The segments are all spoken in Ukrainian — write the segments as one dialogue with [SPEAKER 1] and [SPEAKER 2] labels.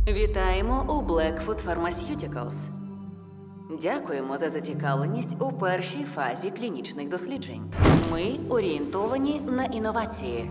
[SPEAKER 1] Вітаємо у Blackfoot Pharmaceuticals. Дякуємо за зацікавленість у першій фазі клінічних досліджень. Ми орієнтовані на інновації.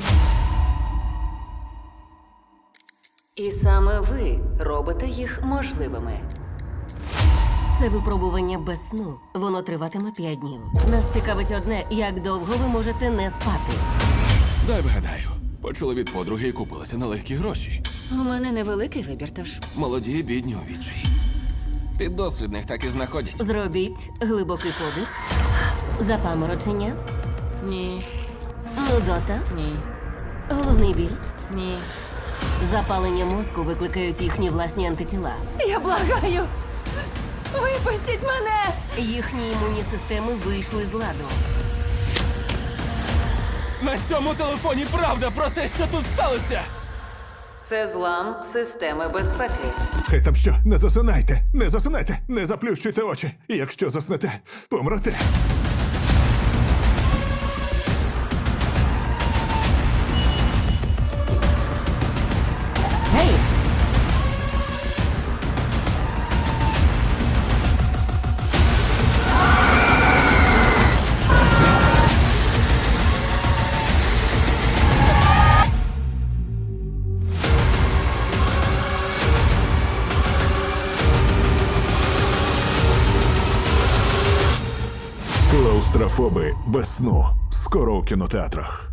[SPEAKER 1] І саме ви робите їх можливими.
[SPEAKER 2] Це випробування без сну. Воно триватиме 5 днів. Нас цікавить одне, як довго ви можете не спати.
[SPEAKER 3] Дай вгадаю. Почули від подруги і купилася на легкі гроші.
[SPEAKER 1] У мене невеликий вибір, тож
[SPEAKER 3] Молоді, бідні у відчаї. Піддослідних так і знаходять.
[SPEAKER 2] Зробіть глибокий подих, запаморочення,
[SPEAKER 1] ні,
[SPEAKER 2] нудота,
[SPEAKER 1] ні,
[SPEAKER 2] головний біль.
[SPEAKER 1] ні.
[SPEAKER 2] Запалення мозку викликають їхні власні антитіла.
[SPEAKER 1] Я благаю! Випустіть мене!
[SPEAKER 2] Їхні імунні системи вийшли з ладу.
[SPEAKER 3] На цьому телефоні правда про те, що тут сталося!
[SPEAKER 1] Це злам системи безпеки.
[SPEAKER 4] Хай там що, не засинайте, не засинайте, не заплющуйте очі. Якщо заснете, помрете.
[SPEAKER 2] Гей!
[SPEAKER 4] Клаустрофоби без сну. Скоро у кінотеатрах.